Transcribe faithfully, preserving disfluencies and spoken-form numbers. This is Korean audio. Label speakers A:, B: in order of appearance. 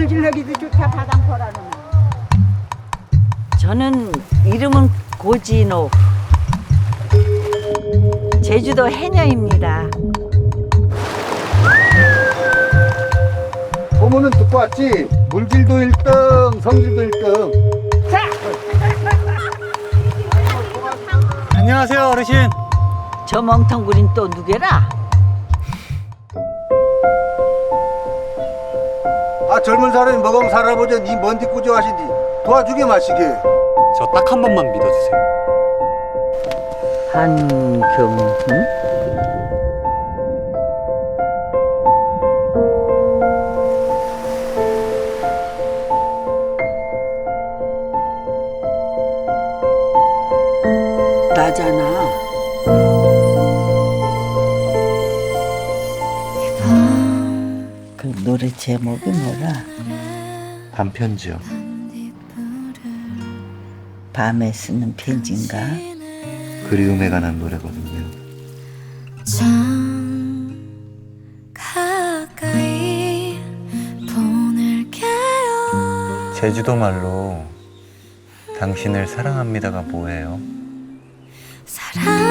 A: 물질하기도 좋다 바당포라는.
B: 저는 이름은 고진옥. 제주도 해녀입니다.
C: 소문은 듣고 왔지. 물질도 일 등, 성질도 일 등.
D: 안녕하세요, 어르신.
B: 저 멍텅구린 또 누구라?
C: 아, 젊은 사람이 먹으면 살아보자. 니 뭔디 꾸져하시니. 도와주게 마시게.
D: 저 딱 한 번만 믿어주세요.
B: 한경훈? 나잖아. 그 노래 제목이 뭐라?
E: 반편지요.
B: 밤에 쓰는 편지인가?
E: 그리움에 관한 노래거든요.
F: 참 가까이 보낼게요.
D: 제주도 말로 당신을 사랑합니다가 뭐예요?
F: 사랑